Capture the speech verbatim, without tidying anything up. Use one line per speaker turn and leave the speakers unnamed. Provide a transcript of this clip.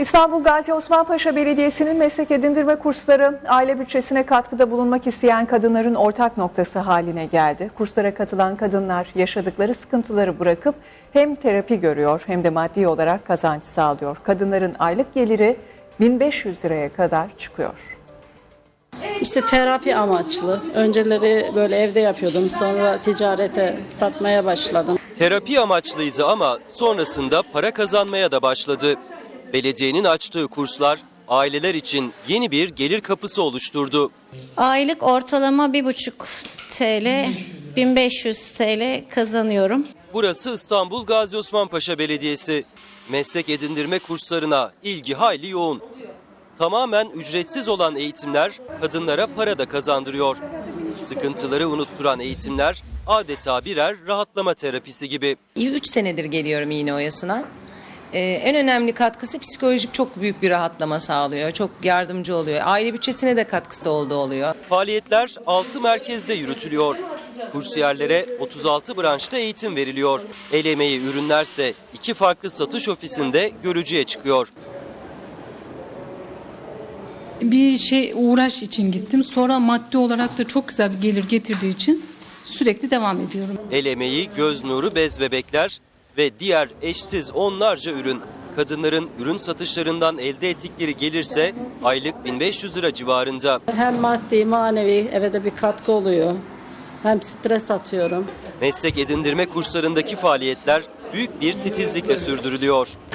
İstanbul Gazi Osman Paşa Belediyesi'nin meslek edindirme kursları aile bütçesine katkıda bulunmak isteyen kadınların ortak noktası haline geldi. Kurslara katılan kadınlar yaşadıkları sıkıntıları bırakıp hem terapi görüyor hem de maddi olarak kazanç sağlıyor. Kadınların aylık geliri bin beş yüz liraya kadar çıkıyor.
İşte terapi amaçlı. Önceleri böyle evde yapıyordum. Sonra ticarete satmaya başladım.
Terapi amaçlıydı ama sonrasında para kazanmaya da başladı. Belediyenin açtığı kurslar aileler için yeni bir gelir kapısı oluşturdu.
Aylık ortalama bir buçuk TL, bin beş yüz TL kazanıyorum.
Burası İstanbul Gazi Osman Paşa Belediyesi. Meslek edindirme kurslarına ilgi hayli yoğun. Tamamen ücretsiz olan eğitimler kadınlara para da kazandırıyor. Sıkıntıları unutturan eğitimler adeta birer rahatlama terapisi gibi.
üç senedir geliyorum iğne oyasına. Ee, en önemli katkısı psikolojik çok büyük bir rahatlama sağlıyor. Çok yardımcı oluyor. Aile bütçesine de katkısı olduğu oluyor.
Faaliyetler altı merkezde yürütülüyor. Kursiyerlere otuz altı branşta eğitim veriliyor. El emeği ürünlerse iki farklı satış ofisinde görücüye çıkıyor.
Bir şey uğraş için gittim. Sonra maddi olarak da çok güzel bir gelir getirdiği için sürekli devam ediyorum.
El emeği, göz nuru, bez bebekler ve diğer eşsiz onlarca ürün. Kadınların ürün satışlarından elde ettikleri gelirse aylık bin beş yüz lira civarında.
Hem maddi manevi eve de bir katkı oluyor. Hem stres atıyorum.
Meslek edindirme kurslarındaki faaliyetler büyük bir titizlikle sürdürülüyor.